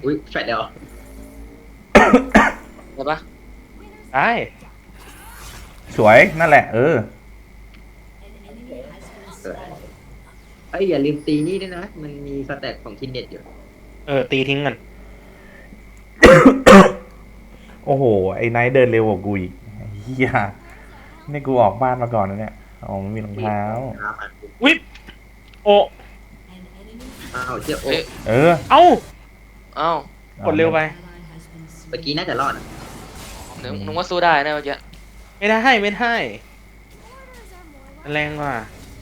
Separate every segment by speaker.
Speaker 1: อุ้ยแฟดเดียว
Speaker 2: ใช่ปะ
Speaker 3: ได้
Speaker 4: สวยนั่นแหละ
Speaker 1: เออเอ้ยอย่าลืมตีนี่ด้วยนะมันมีสแต็กของคินเน็ตอยู่
Speaker 3: ตีทิ้งกัน
Speaker 4: โอ้โหไอ้ไนท์เดินเร็วกว่ากูอีกเฮียนี่กูออกบ้านมาก่อนนะเนี่ยอ๋อไม่มีรองเท้า
Speaker 3: วิบโอ
Speaker 1: อ้าวเจ้าโอ้
Speaker 2: เอ้ย
Speaker 4: เออ
Speaker 3: เอ้า
Speaker 2: เอ้าก
Speaker 3: ดเร็วไป
Speaker 1: เมื่อกี้น่าจะรอดอะ
Speaker 2: นึกว่าสู้ได้นะเมื่อกี้
Speaker 3: ไม่ได้ไม่ได้แรงกว่า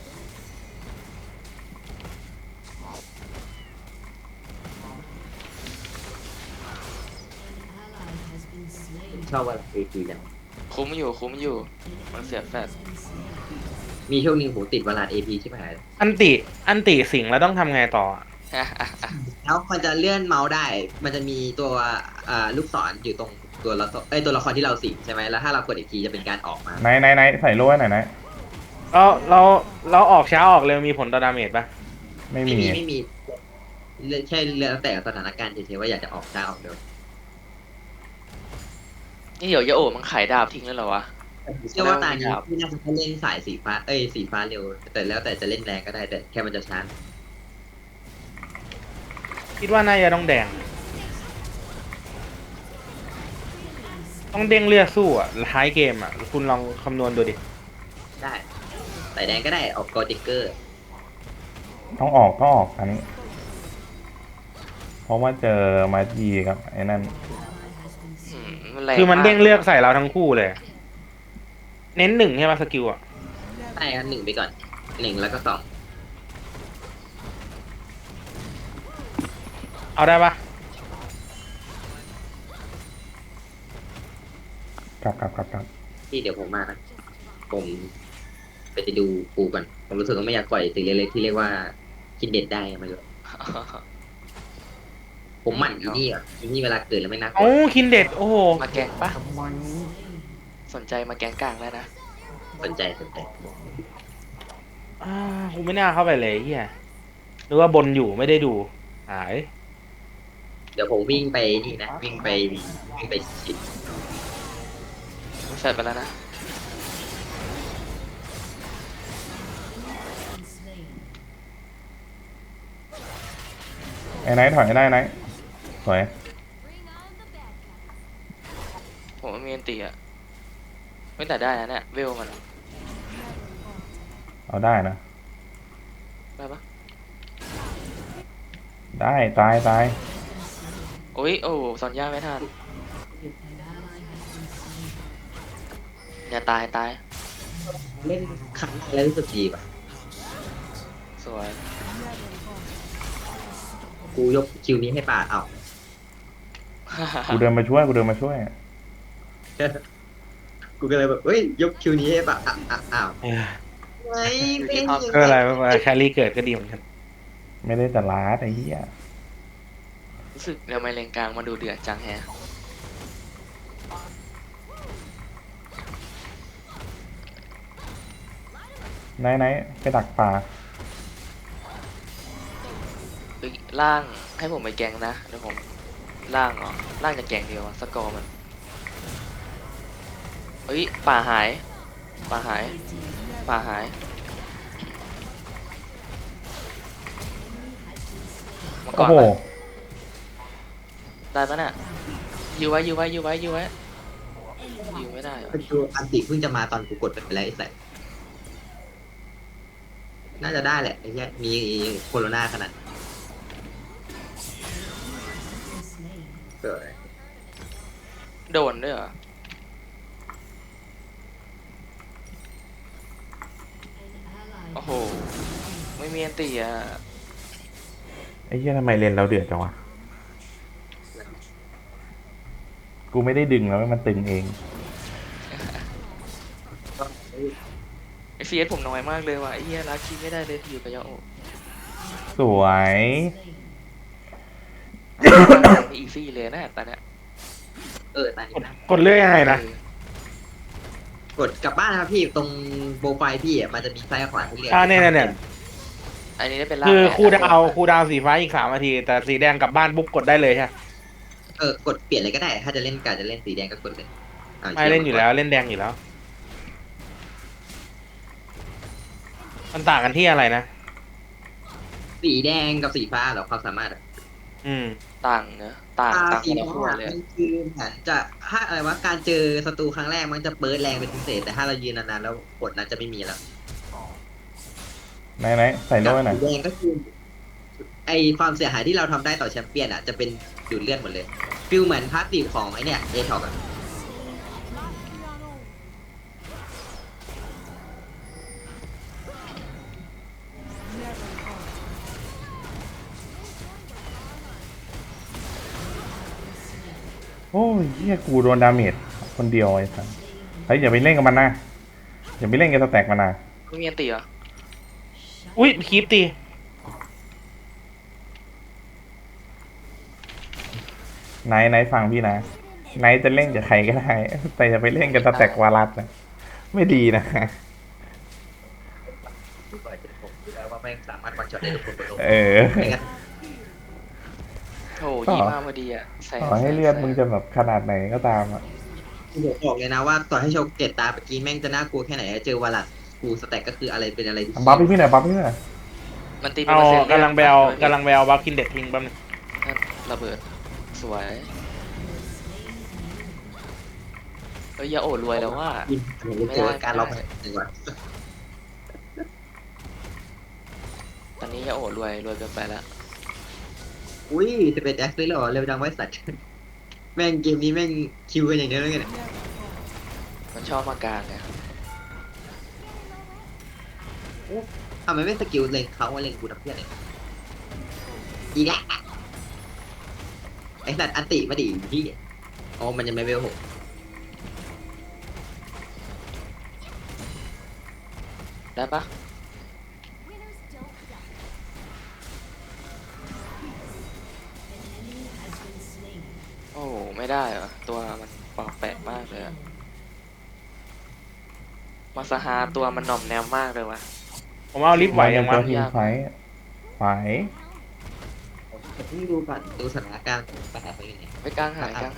Speaker 1: ชอบว่าเอทีจัง
Speaker 2: คุ้มอยู่มันเสียแฟด
Speaker 1: มีช่วงหนึงผมติดเวลาเอพีใช่ไหม
Speaker 3: อันติสิงแล้วต้องทำไงต่ออะ
Speaker 1: แล้วมันจะเลื่อนเมาส์ได้ มันจะมีตัวลูกศรอยู่ตรงตัวละตัวละครที่เราสิงใช่ไหมแล้วถ้าเรากดอีกทีจะเป็นการออกมา
Speaker 4: ไหนใส่โล่ให้หน่อยนะ
Speaker 3: เราออกช้าออกเร็วมีผลต่อดาเมจปะ
Speaker 4: ไม่
Speaker 1: ไม่
Speaker 4: มี
Speaker 1: มีไม่มีแค่แล้วแต่สถานการณ์เฉยๆว่าอยากจะออกได้ออกเร็ว
Speaker 2: นี่เดี๋ยวยาโอะมันขายดาบทิ้งแล้วเหรอวะ
Speaker 1: เชื่อว่าตานี้ที่น่าจะเล่นสายสีฟ้าสีฟ้าเร็วแต่แล้วแต่จะเล่นแรงก็ได้แต่แค่มันจะช้า
Speaker 3: คิดว่าน่าจะต้องแดงต้องเด้งเลือดสู้อ่ะท้ายเกมอ่ะคุณลองคำนวณดูดิ
Speaker 1: ได้สายแดงก็ได้ออกกอติกเกอร์
Speaker 4: ต้องออกอันนี้ เพราะว่าเจอมาจีครับไอ้นั่น
Speaker 3: คือมันเด้งเลือดใส่เราทั้งคู่เลย เน้นหนึ่งใช่ไหมสกิลอ่ะ
Speaker 1: ได้กัน1ไปก่อน1แล้วก็2
Speaker 3: เอาได้ปะ
Speaker 4: กลับ
Speaker 1: ที่เดี๋ยวผมมานะผมไปดูปูก่อนผมรู้สึกว่าไม่อยากปล่อยสิ่งเล็กๆที่เรียกว่าคิดเด็ดได้มาเลยผมหมั่นอีนี่เวลาเกิดแล้วไม่น่ากลั
Speaker 3: โอ้
Speaker 1: ว
Speaker 3: คินเด็ดโอ้โห
Speaker 2: มาแกงปะสนใจมาแกงกลางแล้วนะ
Speaker 1: สนใจ
Speaker 3: กูไม่น่าเข้าไปเลยเฮียหรือว่าบนอยู่ไม่ได้ดูหาย
Speaker 1: เดี๋ยวผมวิ่งไปนี่นะวิ่งไปชิด
Speaker 2: มันแฟดไปแล้วนะ
Speaker 4: ไอ้ไนท์ถอยได้ไนท์สวย
Speaker 2: ผมมันมีอันตีอะไม่แต่ได้นะเนี่ยเวลมันอะ
Speaker 4: เอาได้นะ
Speaker 2: ได้ปะ
Speaker 4: ได้ตาย
Speaker 2: โอ้ยโอ้สอนย่าไม่ทันอย่าตาย
Speaker 1: เล่นครั้งแล้วรู้สึกดีป่ะ
Speaker 2: สวย
Speaker 1: กูยกคิวนี้ให้ป่าเอา
Speaker 4: กูเดินมาช่วย
Speaker 1: กูก็เลยแบบเฮ้ยยกคิวนี้ให้ป่าอ้าวไม่เป็น
Speaker 3: ก็อะไรว่าแครี่เกิดก็ดีเหมือนกัน
Speaker 4: ไม่ได้แต่ลาดไอ้เหี้ย
Speaker 2: รู้สึกทำไมเลนกลางมาดูเดือดจังแฮะ
Speaker 4: ไนท์ไปดักป่า
Speaker 2: เฮ้ยล่างให้ผมไปแกงนะเดี๋ยวผมล่างเหรอล่างจะแกงเดียวอะสกอร์มันเฮ้ยป่าหายมาก่อ
Speaker 4: โอ้
Speaker 2: น
Speaker 4: โห
Speaker 2: ปะได้ปะน่ะยื้อไว้ยื้อไม่ได้เหรอ
Speaker 1: คืออันติเพิ่งจะมาตอนกูกดไปแล้วไอ้สัสน่าจะได้แหละไอ้เนี้ยมีโคโรนาขนาดเกิด
Speaker 2: โดนด้วยเหรอโอ้โหไม่มีอันตีอ่ะ
Speaker 4: ไอ้เหี้ยทำไมเลนเราเดือดจังวะ กูไม่ได้ดึงแล้วมันตึงเอง
Speaker 2: ไอเฟียสผมน้อยมากเลยว่ะไอ้เหี้ยรักคีไม่ได้เลยอยู่กับยาโอ
Speaker 4: สวย
Speaker 2: อีซี่เลยนะตอนเนี้ย
Speaker 1: ตอนนี้นะ
Speaker 3: กดเลื่อยยังไงนะ
Speaker 1: กดกลับบ้านนะครับพี่ตรงโปรไฟล์พี่มันจะมีซ้ายขวาให้เลือก
Speaker 3: เนี่ย
Speaker 2: อันนี้ได้เป็นล่าง
Speaker 3: คือ
Speaker 2: แปด
Speaker 3: คูลดาวน์สีฟ้าอีก3 นาทีแต่สีแดงกลับบ้านปุ๊บกดได้เลยใช่ไหม
Speaker 1: กดเปลี่ยนเลยก็ได้ ถ้าจะเล่นการจะเล่นสีแดงก็กดเลย
Speaker 3: ไม่เล่นอยู่แล้วเล่นแดงอยู่แล้ว มันต่างกันที่อะไรนะ
Speaker 1: สีแดงกับสีฟ้าเหรอความสามารถอะ
Speaker 3: อืม
Speaker 2: ต่างเนอะต่างค
Speaker 1: สี
Speaker 2: นละ
Speaker 1: ฟ้า
Speaker 2: ขั้วเลย
Speaker 1: มันคือเหมือนจะถ้าอะไรวะการเจอศัตรูครั้งแรกมันจะเปิดแรงเป็นพิเศษแต่ถ้าเรายืนนานๆแล้วกดนั้นจะไม่มีแล้ว
Speaker 4: ไหนใส่โล่หน่อย
Speaker 1: สีแดงก็คือไอความเสียหายที่เราทำได้ต่อแชมเปี้ยนอ่ะจะเป็นดูดเลือดหมดเลยฟิลเหมือนพาสซีฟของไอเนี่ยเอทอกอ่ะ
Speaker 4: โอ้ยเฮียกูโดนดาเมจคนเดียวไอ้สัสเฮ้ยอย่าไปเล่นกับมันนะอย่าไปเล่นกับสแต็กมันนะ
Speaker 2: ไม่มีอันตีเหรอ
Speaker 3: อุ้ยคีปตี
Speaker 4: ไหนฟังพี่นะไหนจะเล่นกับใครก็ได้ แต่อย่าไปเล่นกับสแต็กวารัสนะไม่ดีนะ
Speaker 1: ดูก่อนจะผมดูแล้วว่าแม่งสามารถวันช็อตได้ทุกคนบนโลก
Speaker 4: เออ
Speaker 1: ไม่งั้น
Speaker 2: โอ้ยี่มากพอดีอ่ะใส่
Speaker 4: ต่อให้เลือดมึงจะแบบขนาดไหนก็ตามอ่ะ
Speaker 1: ผมบอกเลยนะว่าต่อให้โชว์เกตตาเมื่อกี้แม่งจะน่ากลัวแค่ไหนเจอวาลัสกูสแต็กก็คืออะไรเป็นอะไรที่
Speaker 4: บัฟให้พี่หน่อยบัฟให้พี่หน่อย
Speaker 2: มันตีเป็น
Speaker 3: เอา
Speaker 2: เปอร์เซ็นต์
Speaker 3: กำลังไปเอาบัฟคินเด็ดทิ้งแป๊บนึง
Speaker 2: ระเบิดสวยเอ้ยยาโอรวยแล้วว่า
Speaker 1: ยินผมรู้ตัวการล็อกหนึ่งวัน
Speaker 2: ตอนนี้ยาโอรวยเกินไปแล้ว
Speaker 1: อุ้ยจะเป็นแอคเลยเหรอเร็วจังไว้สัตว์แม่งเกมนี้แม่งคิวกันอย่างเดียวเลยเนี่ย
Speaker 2: มันชอบมากลางไง
Speaker 1: ทำไมไม่สกิลเล็งเขาว่าเล็งกูทำเพื่อนเลยอีกแล้วไอ้สัตว์อันติมาดิพี่อ๋อมันยังไม่เวลหก
Speaker 2: ได้ปะโอ้ไม่ได้เหรอตัวมันแปลกมากเลยอะมาสหาตัวมันหน่อมแนมมากเลยว่ะ
Speaker 3: ผมเอาลิฟต์ไหวยัง
Speaker 4: ตั
Speaker 3: วะ
Speaker 4: วทีมไฟท์ไหว
Speaker 1: ผมเพิ่งดูก่อนดูสถานการณ์ปัญหาไปยังไง
Speaker 2: ไปกลางหายกลาง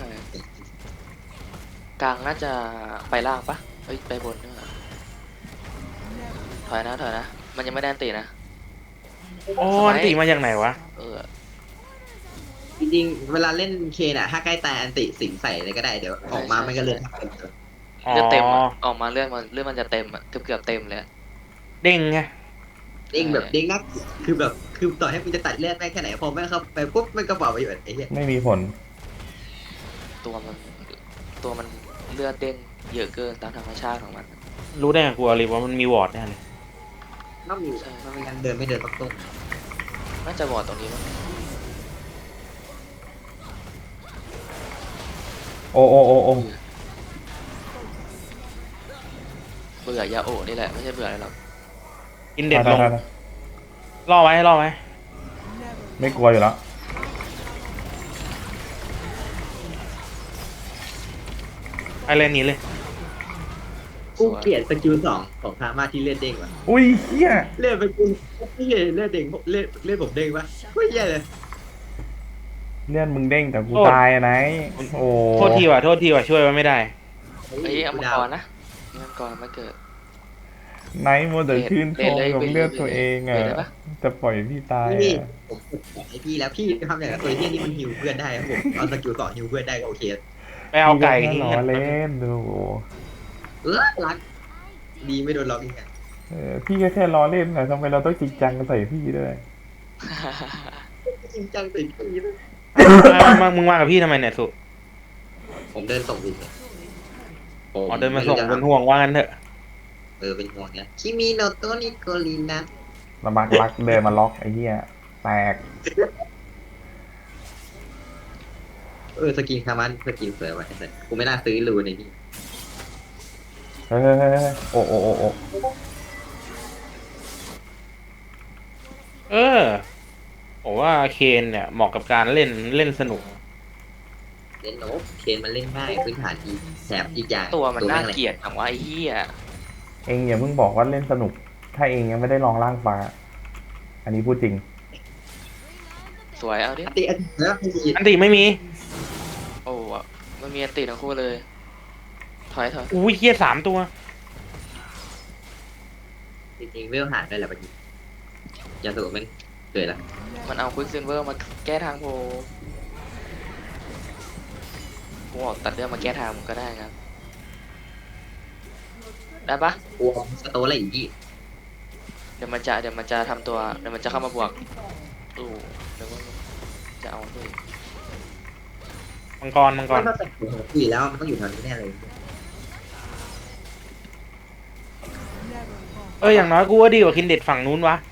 Speaker 2: น่าจะไปล่างปะเอ้ยไปบนด้วยถอยนะมันยังไม่ได้อันตีนะ
Speaker 3: โอ้อันติมาจากไหนวะ
Speaker 2: เออ
Speaker 1: จริงๆเวลาเล่นเคนอ่ะถ้าใกล้ตายอันติสิงใส่เลยก็ได้เดี๋ยวออกมามันก็เลย
Speaker 3: อ๋อ
Speaker 2: เลือดเต็มอะออกมาเลือดมันจะเต็มอะเกือบเต็มเลยอะ
Speaker 3: เด้งไง
Speaker 1: เด้งแบบเด้งนักคือแบบคือต่อให้มันจะตัดเลือดแม่งแค่ไหนพอแม่งเข้าไปปุ๊บมันก็เป่าไปแบบไอ้เหี้ย
Speaker 4: ไม่มีผล
Speaker 2: ตัวมันเลือดเด้งเยอะเกินตามธรรมชาติของมัน
Speaker 3: รู้ได้ไงกูเอาลิฟต์ว่ามันมีวอร์ดแน่เลย
Speaker 1: ต้องมีมันไม่งั้นเดินไม่เดินต้องต้น
Speaker 2: น่าจะบอดตรงนี้มั้ง
Speaker 4: โอ้
Speaker 2: เบื่อยาโอะนี่แหละไม่ใช่เบื่ออะไรหรอก
Speaker 3: กินเด็ดลง
Speaker 4: ได้
Speaker 3: ล่อไว้
Speaker 4: ไม่กลัวอยู่แล้ว
Speaker 3: ไปเล่นนี้เลย
Speaker 1: กูเกลียดสกิล2ของพามาที่เลือดเด้งว่ะ
Speaker 4: อุ้ยเฮีย
Speaker 1: เลือดไปกูพี่เลือดเด้งเลือดผมเด้งปะกูเหี้ยเลย
Speaker 4: เลื่อนมึงเด้งแต่กูตายอะไหนโอ้
Speaker 3: โทษทีว่ะช่วยไว้ไม่ได้
Speaker 2: เอ้ยเอามังกรนะมังกรมาเกิด
Speaker 4: ไหนมัวแต่ชื่นชมกับเลือดตัวเองอ่ะ
Speaker 2: เวทได้ปะ
Speaker 4: จะปล่อยพี่ตาย
Speaker 1: พี่
Speaker 4: อ่ะ
Speaker 1: ผมบอกให้พี่แล้วพี่ทำอย่างไรตัวเหี้ยนี่มันฮิวเพื่อนได้ครับผมเอาสกิล2ฮิวเพื่อนได้ก็โอเค
Speaker 3: ไปเอาไก่
Speaker 4: พี่
Speaker 3: ทิ้ง
Speaker 4: ล้อ
Speaker 3: กัน
Speaker 4: เล่นดู
Speaker 1: รักดีไม่โดนล็อกอีกอ่ะ
Speaker 4: พี่ก็แค่ล้อเล่นนะทำไมเราต้องจริงจังใส่พี่ด้วย
Speaker 1: จริงจังติดพี่นะ
Speaker 3: มึงมากับพี่ทำไมเนี่ยสุ
Speaker 1: ผมเดินส่งวิน
Speaker 3: อ๋อเดินมาส่งเป็นห่วงว่างั้นเถอะ
Speaker 1: เป็นห่วงเนี่ยคิมิโนโตะนิโกรินะ
Speaker 4: ลำบากรักเดินมาล็อกไอ้เหี้ยแตก
Speaker 1: สกินคามันสกินสวยว่ะไอ้สัสกูไม่น่าซื้อรูในนี่
Speaker 4: เฮ้ยโอ้
Speaker 3: ผมว่าเคนเนี่ยเหมาะกับการเล่นสนุก
Speaker 1: เล่นโนบเคนมันเล่นง่ายพื้นฐานดีแถมอีกอย่าง
Speaker 2: ตัวมันน่า
Speaker 1: แรง
Speaker 2: เกลียดถามว่าไอ้เหี้ย
Speaker 4: เองอย่าเพิ่งบอกว่าเล่นสนุก ถ้าเองยังไม่ได้ลองล่างฟ้า อันนี้พูดจริง
Speaker 2: สวยเอาดิ
Speaker 1: อันติแล้วไม่มี
Speaker 3: อันติไม่มี
Speaker 2: มันมีอันติทั้งคู่เลย ถอย
Speaker 3: อุ้ยเฮีย3 ตัว
Speaker 1: จริงๆเวลหาได้แหละบางทียาสูบมันเกิดละ
Speaker 2: มันเอาควิกซิลเวอร์มาแก้ทางผมบอกตัดเรื่องมาแก้ทางผมก็ได้ครับ ได้ปะ
Speaker 1: กลัวสโตนอะไรอย่างงี้
Speaker 2: เดี๋ยวมันจะทำตัว เดี๋ยวมันจะเข้ามาบวกตู้เดี๋ยวมันจะเอาด้วย
Speaker 3: มังกร
Speaker 1: มันต้องแต่งหัวอยู่แล้วมันต้องอยู่แถวนี้แน่เลย
Speaker 3: อย่างน้อยกูว่าดีกว่าคินเด็ดฝั่งนู้นวะ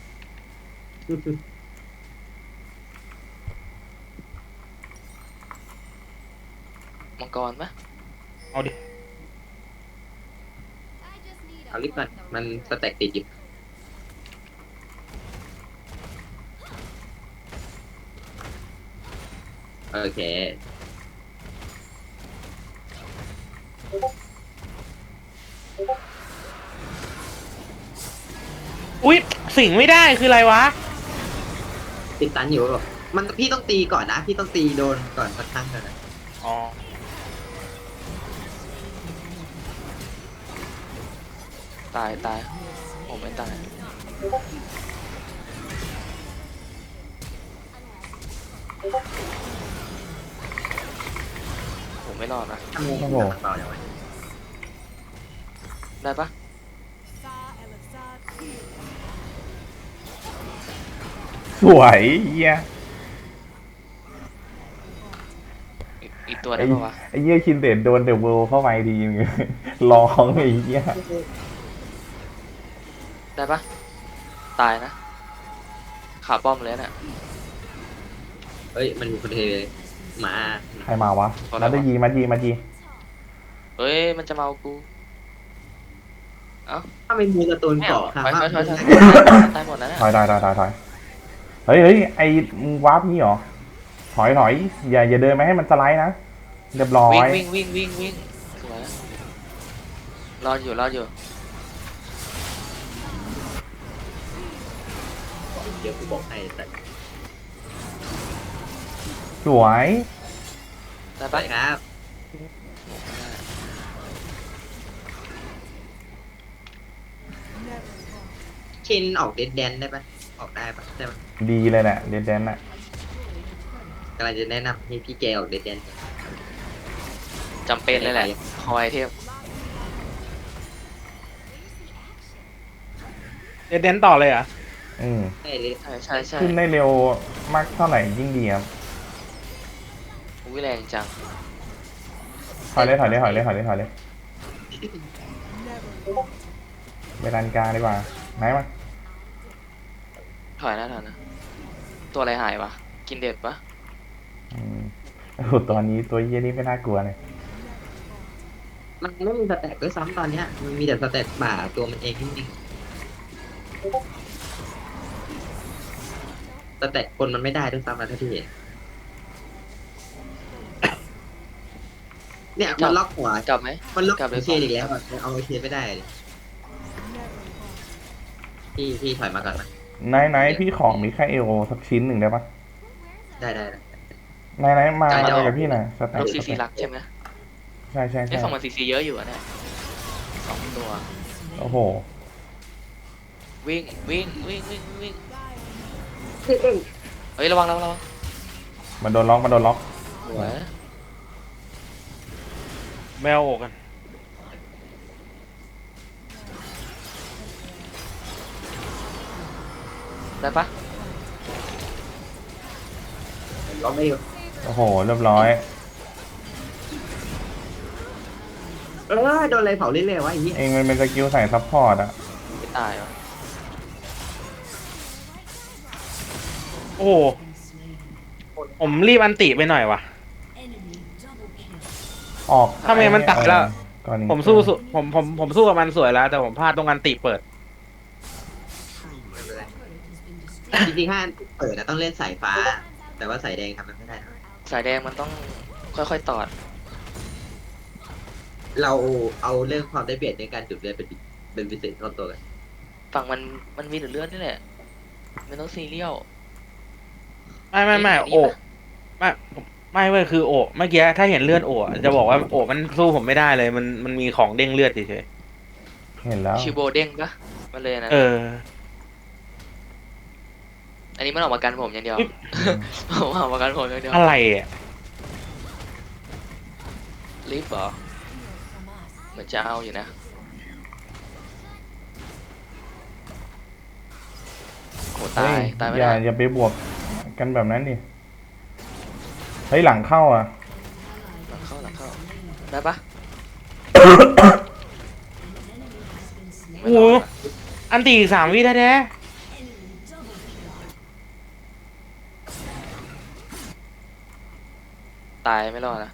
Speaker 2: มังกรปะ
Speaker 3: เอาดิ
Speaker 1: เอาลิฟต์ก่อนมันสแต็กติดอยู่โอเค
Speaker 3: อุ้ยสิงไม่ได้คืออะไรวะ
Speaker 1: ติดตันอยู่แบบมันพี่ต้องตีก่อนนะพี่ต้องตีโดนก่อนสักครั้งก่อนนะ
Speaker 3: อ๋อ
Speaker 2: ตายผมไม่ตายผมไม่รอดนะ
Speaker 1: ทำไง
Speaker 4: โอ้โห
Speaker 1: ต่ออย่างไร
Speaker 2: ได้ปะ
Speaker 4: สวยเหี้ย
Speaker 2: อีกตัวได้
Speaker 4: ไอ้
Speaker 2: ปะวะ
Speaker 4: ไอ้เหี้ยคินเดดโดนเดอะเวิลด์เข้าไปดีมึง ร้องไอ้เหี้ย
Speaker 2: ได้ปะตายนะขาป้อมเลยน่ะ
Speaker 1: เฮ้ยมันมีคนเทมา
Speaker 4: ใครมาวะนัดได้ยีมายี
Speaker 2: เฮ้ยมันจะมาเอากู
Speaker 1: ถ้าไม่มีการ์ตูน
Speaker 2: ไม่
Speaker 1: เกาะ
Speaker 2: เอา
Speaker 1: ค่ะ
Speaker 2: ถอย
Speaker 1: ว่า
Speaker 2: ตายหมดแล้วน่ะ
Speaker 4: ถอยเฮ้ยไอ้มึงวาร์ปนี่เหรอถอยอย่าเดินมาให้มันสไลด์นะเรียบร้อย
Speaker 2: วิ่งสวยรออยู่
Speaker 1: เดี๋ยวกูบอกให้แต่
Speaker 4: สวย
Speaker 2: ได้
Speaker 1: ไป
Speaker 2: ปะ
Speaker 1: ครับชินออกเดนแดนได้ปะออกได้ปะได้ปะ
Speaker 4: ดีเลยแหละเดนแดนน่ะ
Speaker 1: กำลังจะแนะนำให้พี่แกออกเดนแดน
Speaker 2: จำเป็นเลยแหละคอยเทพ
Speaker 3: เดนต่อเลยเหรอ่ะ
Speaker 4: อืม
Speaker 1: ได้เลย
Speaker 2: ใช่
Speaker 4: ขึ้นได้เร็วมากเท่าไหร่ยิ่งดีครับ
Speaker 2: อุ้ยแรงจัง
Speaker 4: ถอยเลยไปดันกลางดีกว่าไหนมา
Speaker 2: ถอยนะตัวอะไรหายวะกินเด็ดปะ
Speaker 4: อืมโอ้โหตอนนี้ตัวเยี่ยนี่ไม่น่ากลัวเลย
Speaker 1: มันไม่มีสแต็กด้วยซ้ำตอนเนี้ยมันมีแต่สแต็กป่าตัวมันเองจริงๆสแต็กคนมันไม่ได้ด้วยซ้ำนะถ้าพี่เห็นเนี่ยมันล็อกหัว
Speaker 2: กลับไหม
Speaker 1: มันล็อก
Speaker 2: กลับเลย
Speaker 1: เชนอีกแล้วอะเอาเชนไม่ได้เลยพี่ถอยมาก่อนนะ
Speaker 4: ไหนพี่ของมิคาเอลสักชิ้นหนึ่งได้ปะ
Speaker 1: ได้
Speaker 4: ไหนมาเลยกับพี่หน่อยสแต็
Speaker 2: ลู
Speaker 4: ก
Speaker 2: กซีรักใช่ไหม
Speaker 4: ใช่
Speaker 2: ไอ้ฝั่งมันซีเยอะอยู่อะเนี่ย2 ตัว
Speaker 4: โอ้โห
Speaker 2: วิ่งเฮ้ยระวัง
Speaker 4: มันโดนล็อก
Speaker 2: สวย
Speaker 3: แมวกัน
Speaker 2: ได้ปะ
Speaker 1: ล็อกไม่อยู่
Speaker 4: โอ้โหเรียบร้อย
Speaker 1: โดนอะไรเผาเรื่อยๆวะไอ้เหี้ย
Speaker 4: เองมันเป็นสกิลใส่ซัพพอร์ตอะ
Speaker 2: ไม่ตายวะ
Speaker 3: โอ้โหผมรีบอันติไปหน่อยว่ะ
Speaker 4: ออก
Speaker 3: ทำไมมันตัดแล้ว
Speaker 4: ก่อนนี้
Speaker 3: ผมสู้กับมันสวยแล้ว แต่ผมพลาดตรงอันติเปิด
Speaker 1: ไม่เป็นไรจริงๆถ้าเปิดนะต้องเล่นสายฟ้า แต่ว่าสายแดงทำมันไม่ได้นะ
Speaker 2: สายแดงมันต้องค่อยๆตอด
Speaker 1: เราเอาเรื่องความได้เปรียบในการจุดเลือดเป็นพิเศษเข้าตัวกัน
Speaker 2: ฝั่งมันมีแต่เลือดนี่แหละไม่ต้องซีเรียล
Speaker 3: ไม่โอ้ไม่ไม่เว้ยคือโอะเมื่อกี้ถ้าเห็นเลือดโอะจะบอกว่าโอะมันสู้ผมไม่ได้เลยมันมีของเด้งเลือดเฉย
Speaker 4: เห็นแล้ว
Speaker 2: ชิโบเด้งปะมันเลยนะ
Speaker 3: ๆเออ
Speaker 2: อันนี้มันออกมากันผมอย่างเดียว
Speaker 3: อุ๊ย
Speaker 2: ออกมากันผมอย่างเดียว
Speaker 3: อะไรอ่ะ
Speaker 2: ลิฟต์เหรอเหมือนจะเอาอยู่นะโอ้ตา
Speaker 4: เฮ้
Speaker 2: ยตายไม่
Speaker 4: อย่า
Speaker 2: ได้
Speaker 4: อย่าไปบวกกันแบบนั้นดิเฮ้ยหลังเข้าอ่ะ
Speaker 2: หลังเข้าได้ปะ
Speaker 3: โอ้โหอันตีอีก3 วิแท้
Speaker 2: ตายไม่รอดนะ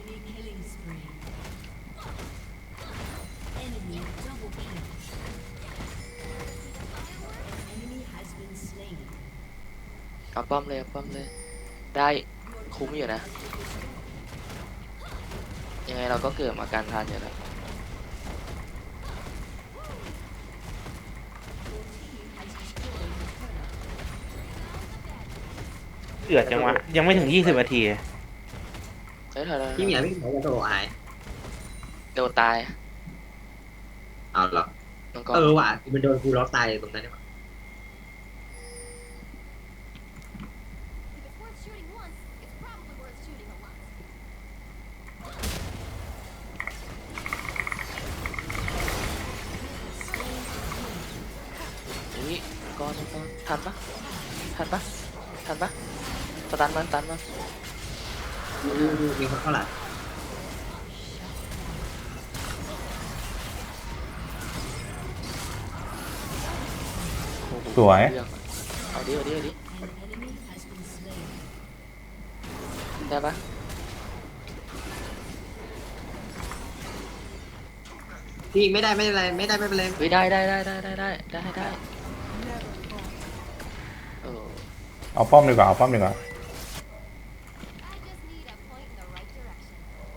Speaker 2: เอาป้อมเลยเอาป้อมเลย ได้คุ้มอยู่นะ ยังไงเราก็เกิดมาการทันอยู่แล้ว
Speaker 3: ๆเดือดจังวะยังไม่ถึง20 นาที
Speaker 2: เฮ้ยเธอ
Speaker 1: พี่เหมียวพี่เหมียวจะโทรหาย
Speaker 2: โดนตาย
Speaker 1: เอาเหรอ
Speaker 2: น้องก็
Speaker 1: ว่ะมันโดนกูล็อกตายตรงนั้นเนี่ย
Speaker 5: If it's worth shooting once, it's probably worth shooting a lot.
Speaker 2: อุ้ยก้อนทันปะทันปะทันปะสตันมันตันมัน
Speaker 1: มีคนเข้าหลัง
Speaker 2: โอ้โห
Speaker 4: สวย
Speaker 2: เอาดิได้ปะ
Speaker 1: พี่ไม่ได้ไม่เป็นไรไม่ได้ไม่เป็นไร
Speaker 2: เฮ้ยได้เออ
Speaker 4: เอาป้อมดีกว่าเอาป้อมดีกว่า
Speaker 5: I just need a point in the right direction.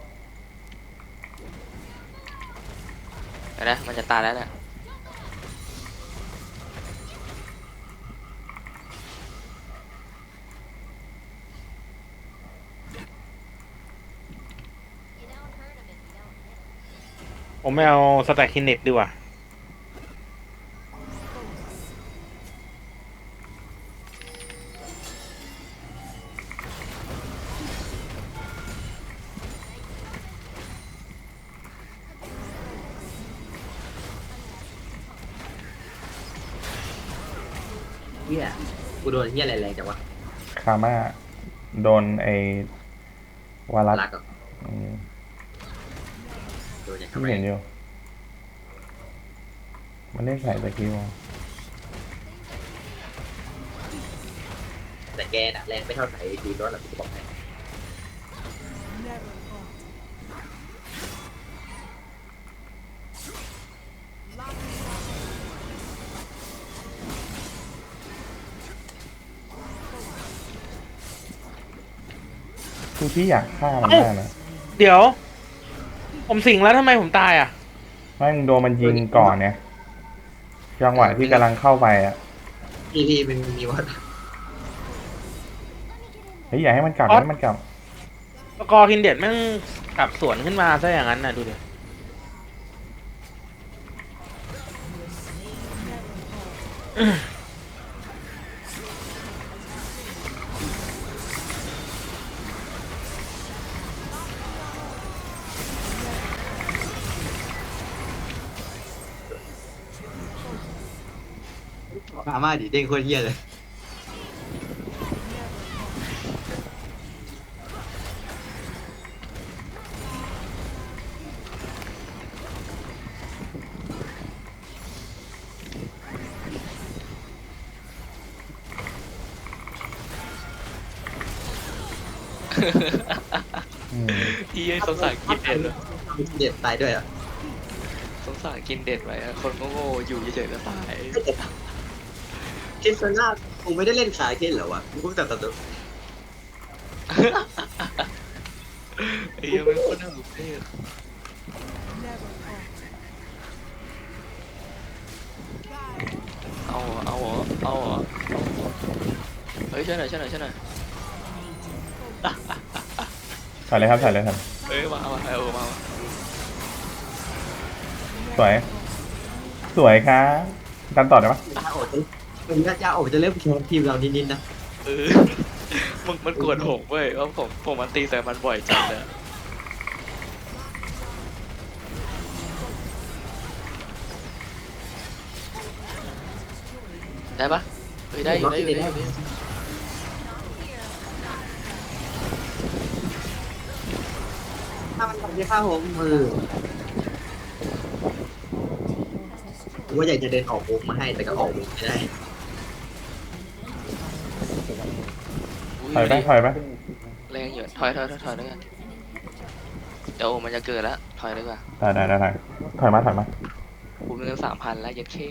Speaker 2: เดี๋ยวนะมันจะตายแล้วเนี่ย
Speaker 5: You don't hurt him if you don't hit him.
Speaker 3: ผมไม่เอาสแต็กคินเน็ตดีกว่า
Speaker 1: เฮียกูโดนเฮียอะไรแรงจังวะ
Speaker 4: คาม่าโดนไอวารัส
Speaker 1: รักอ่ะ
Speaker 4: อืม
Speaker 1: โดนอย่าง
Speaker 4: ที่
Speaker 1: ทำไม
Speaker 4: เห็นอยู่ มันเล่นใส่ตะกี้วะ
Speaker 1: แต่แกน่ะแรงไม่เท่าไหร่ดีรถหรอกกูบอกให้
Speaker 4: คือพี่อยากฆ่ามันมากนะ
Speaker 3: เดี๋ยว ผมสิงแล้วทำไมผมตายอ่ะ
Speaker 4: ไม่มึงโดนมันยิงก่อนเนี่ยจังหวะที่กำลังเข้าไปอ่ะ
Speaker 1: พี่มันมีว่า
Speaker 4: เฮ้ยอย่าให้มันกลับอย่าให้มันกลับ
Speaker 3: สกอร์คินเด็ดแม่งกลับสวนขึ้นมาซะอย่างนั้นนะดูดิ
Speaker 1: อาม่าดิเด้งโคตรเฮียเลย
Speaker 4: อืม
Speaker 2: พี่สงสารกินเด็ดเหรอ
Speaker 1: เด็ดตายด้วยอ่ะ
Speaker 2: สงสารกินเด็ดไว้อะคนโง่ๆอยู่เฉยๆก็ตาย
Speaker 1: คิดซะหน้ากูไม่ได้เล่นขายเคนเหรอวะกูเพิ่งตัดตัว
Speaker 2: ไอ้เหี้ยังไม่คนน่าสุดเท่เอาเหรอเฮ้ยช่วยหน่อย
Speaker 4: ถอยเลยครับถอยเลยครับ
Speaker 2: มามา
Speaker 4: สวยสวยครับดันต่อได้ปะ
Speaker 1: จ้าโอจะมันก็จ้าโอจะเริ่มแคนทีมเรานิดๆนะ
Speaker 2: มันกวนผมเว้ยเพราะผมมันตีใส่มันบ่อยจังเลยได้ปะเฮ้ยได้อยู่
Speaker 1: ถ้ามันทำได้ข้าผมว่าอยากจะเดินออกวงมาให้แต่ก็ออกวงไม่ได้
Speaker 4: ถอยไปถอยไป
Speaker 2: แรงอยู่ถอยด้วยกันเดี๋ยวมันจะเกิดแล้วถอยดีกว่า
Speaker 4: ได้ถอยมา
Speaker 2: กูมีเงิน3,000แล้วยัดเข้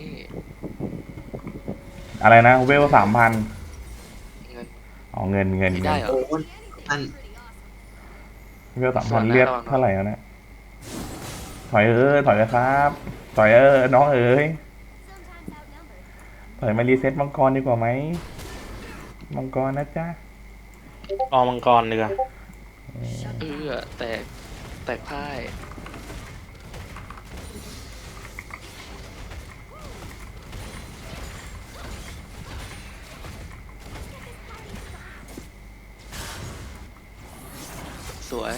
Speaker 4: อะไรนะเวล3,000
Speaker 2: เงิน
Speaker 4: อ๋อเงิน
Speaker 2: ไม่ได้เหรอ
Speaker 1: โอ้ท่าน
Speaker 4: เวล3,000เลือดเท่าไหร่แล้วเนี่ยถอยถอยเลยครับถอยน้องเอ๋ย
Speaker 5: Sometimes outnumbered.
Speaker 4: ถอยมารีเซ็ตมังกรดีกว่าไหมมังกรนะจ๊ะ
Speaker 3: เอามังกรดีกว่า
Speaker 2: แตกพ่ายสวย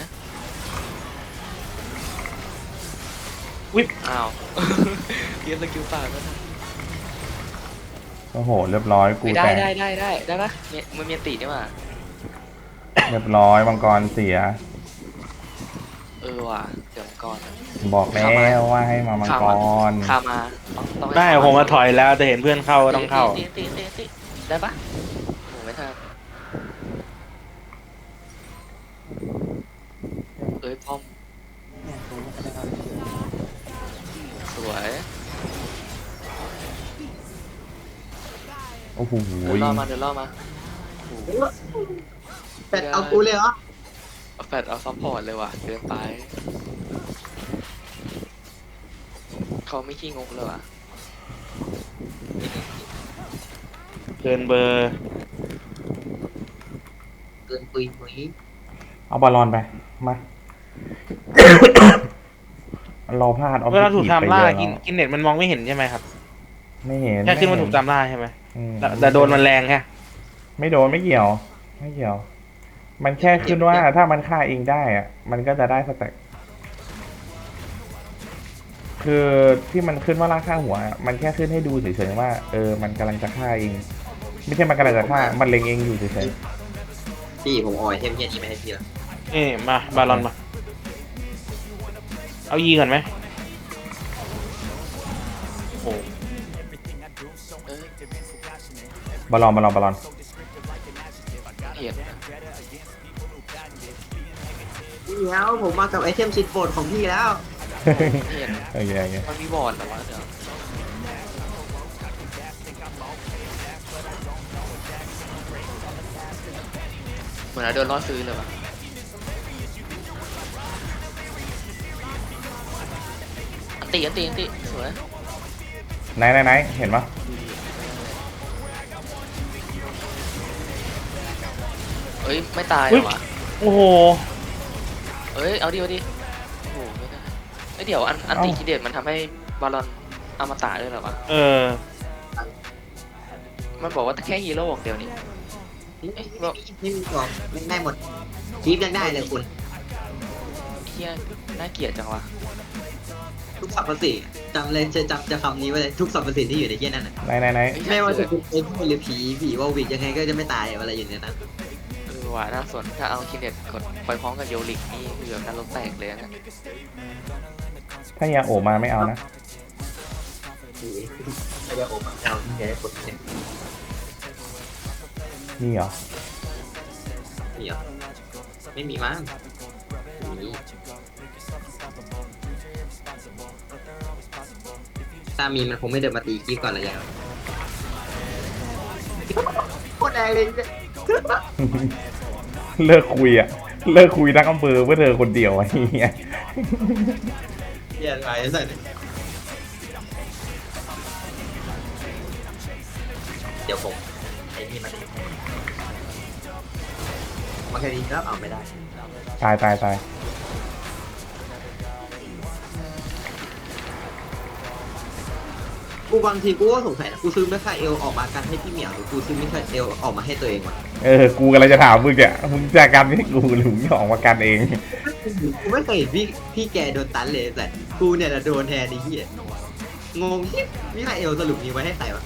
Speaker 3: วิบ
Speaker 2: อ้าว เรียนสกิลปากแล้วนะ
Speaker 4: โอ้โหเรียบร้อยกู
Speaker 2: ไม่ได้
Speaker 4: แตก
Speaker 2: ได้ปะมันมีตีนี่มา
Speaker 4: เรียบร้อยมังกรเสีย
Speaker 2: ว่ะเดี๋ยวก่อน
Speaker 4: บอกแล้วว่าให้มามังกร
Speaker 2: ข้ามาต้องให้
Speaker 3: ได้ผมมาถอยแล้วแต่เห็นเพื่อนเข้าก็ต้องเข้า
Speaker 2: ตีได้ปะโหไม่ทันป้อมสวย
Speaker 4: โอ้โห
Speaker 2: เดินล่อมาโอ้โห
Speaker 1: เป็ดเอากูเลยเหรอ
Speaker 2: เอาแฟดเอาซัพพอร์ตเลยว่ะเดินไปเขาไม่ขี้งกเลยว่ะ
Speaker 3: เกินเบอร์
Speaker 1: เกินปุย
Speaker 4: เอาบอลลอนไปมาเราพลาด
Speaker 3: เวลาถูก
Speaker 4: objective
Speaker 3: ตามล่า
Speaker 4: ไปเยอะ
Speaker 3: กินเน็ตมันมองไม่เห็นใช่ไหมครับ
Speaker 4: ไม่เห็น
Speaker 3: แค่ขึ้นมา
Speaker 4: ไเห็
Speaker 3: ถูกตามล่าใช่ไหม
Speaker 4: อืม
Speaker 3: แต่โดนมันแรงแค่
Speaker 4: ไม่โดนไม่เกี่ยว มันแค่ขึ้นว่าถ้ามันฆ่าเองได้อะมันก็จะได้สแต็กคือที่มันขึ้นว่าล่าฆ่าหัวอะมันแค่ขึ้นให้ดูเฉยๆว่ามันกำลังจะฆ่าเอง ไม่ใช่มันกำลังจะฆ่ามันเล็งเองอยู่เฉย
Speaker 1: พี่ผมออยเทมเฮียนี้ไม่ให้พี่ละ
Speaker 3: นี่มาบาลอนมา เอายีก่อนไหมโอ้
Speaker 4: ๆบอลลอน
Speaker 2: เห็น
Speaker 1: พี่แล้วผมมากับไอเทมชิดโปรดของพี่แล้ว
Speaker 2: เห็น
Speaker 4: โอเค
Speaker 2: มันมีบอร์ดเหรอวะเดี๋ยวเหมือนเราโดนล่อซื้อเลยวะอันตีสวย
Speaker 4: ไหนเห็นปะ
Speaker 2: เอ้ยไม่ตายเหรอวะ
Speaker 3: โอ้โห
Speaker 2: เอ้ยเอาดิโอ้โหไม่ได้เอ้ยเดี๋ยวอันตีกิเดตมันทำให้บอลลอนอมตะด้วยเหรอวะ มันบอกว่าแค่ฮีโร่เดียวนี่
Speaker 1: ไม่มีบอกไม่ได้หมดคีฟยังได้เลยคุณ
Speaker 2: เฮียน่าเกลียดจังวะ
Speaker 1: ทุกสรรพสิ่งจำเลยจะคำนี้ไว้เลยทุกสรรพสิ่งที่อยู่ในเฮียนั่นน่ะ
Speaker 4: ไหน
Speaker 1: ไม่ว่าจะเป็นไอ้พวกหรือผีวอลวิกยังไงก็จะไม่ตายอะไรอยู่ในนั้น
Speaker 2: ว่ะน่าสนถ้าเอาคินเดตกดไปพร้อมกับโยลิกนี่คือแบบนรกแตกเลยนะ
Speaker 4: ถ้ายาโอมาไม่เอานะ
Speaker 1: ไอ้เดี๋ยวโอ้มาเอาที่แกได้กดเนี่ย
Speaker 4: นี่เหรอ
Speaker 1: มีเหรอไม่มีมั้งมีถ้ามีมันคงไม่เดินมาตีคีฟก่อนเลยแล้วโคตรแรงเลย
Speaker 4: เลิกคุยทั้งอำเภอเพื่อเธอคนเดียวไอ้เหี้ย
Speaker 1: เฮียอะไรใส่เดี๋ยวผมไอ้นี่มันแค่นี้แล้วเอาไม่ได้
Speaker 4: ตายตายตาย
Speaker 1: กูบางทีกูก็สงสัยนะกูซื้อไม่ค่าเอลออกมากันให้พี่เหมียวหรือกูซื้อไม่ค่าเอลออกมาให้ตัวเองวะ
Speaker 4: กูกำลังจะถามมึงเนี่ยมึงจะกันให้กูหรือมึงจะออกมากันเอง
Speaker 1: กูไม่เคยเห็นพี่แกโดนตันเลยแต่กูเนี่ยนะโดนแทนไอ้เหี้ยงงที่มิคาเอลสรุปมีไว้ให้ใครวะ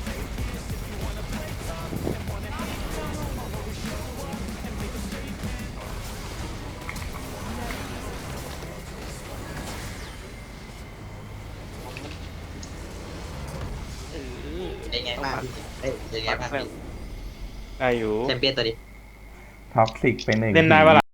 Speaker 1: เป็นไงบ้างพี่เป็นไงบ้างพี่
Speaker 3: ได้อยู่
Speaker 1: แชมเปี้ยนตัวนี้
Speaker 4: ท็อกซิกไปหนึ่ง
Speaker 3: เล่นได้ปะล่ะ